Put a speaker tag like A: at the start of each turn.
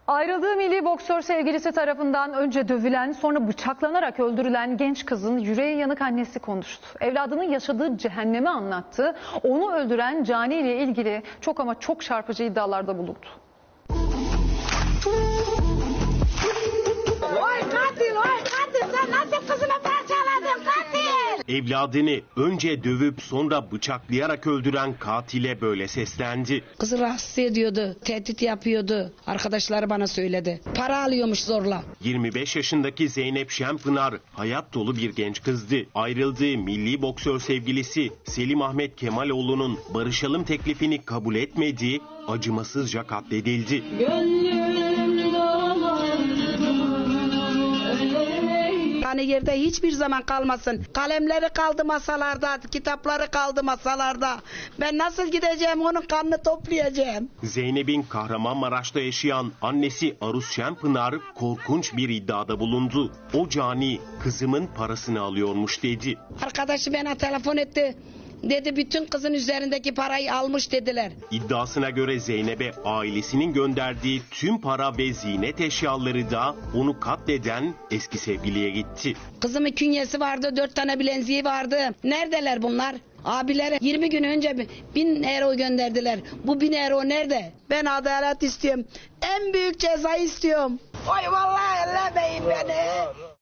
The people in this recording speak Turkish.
A: Ayrıldığı milli boksör sevgilisi tarafından önce dövülen, sonra bıçaklanarak öldürülen genç kızın yüreği yanık annesi konuştu. Evladının yaşadığı cehennemi anlattı. Onu öldüren cani ile ilgili çok ama çok çarpıcı iddialarda bulundu.
B: Oy katil sen nasıl kızımı parçaladın katil?
C: Evladını önce dövüp sonra bıçaklayarak öldüren katile böyle seslendi.
D: Kızı rahatsız ediyordu, tehdit yapıyordu. Arkadaşları bana söyledi. Para alıyormuş zorla.
C: 25 yaşındaki Zeynep Şenpınar hayat dolu bir genç kızdı. Ayrıldığı milli boksör sevgilisi Selim Ahmet Kemaloğlu'nun barışalım teklifini kabul etmediği acımasızca katledildi.
D: Yani yerde hiçbir zaman kalmasın. Kalemleri kaldı masalarda, kitapları kaldı masalarda. Ben nasıl gideceğim, onun kanını toplayacağım.
C: Zeynep'in Kahramanmaraş'ta yaşayan annesi Aruz Şenpınar korkunç bir iddiada bulundu. O cani kızımın parasını alıyormuş dedi.
D: Arkadaşı bana telefon etti. Dedi bütün kızın üzerindeki parayı almış dediler.
C: İddiasına göre Zeynep'e ailesinin gönderdiği tüm para ve ziynet eşyaları da onu katleden eski sevgiliye gitti.
D: Kızımın künyesi vardı, 4 tane bileziği vardı. Neredeler bunlar? Abilere 20 gün önce 1000 euro gönderdiler. Bu 1000 euro nerede? Ben adalet istiyorum. En büyük cezayı istiyorum. Oy vallahi ellemeyin beni.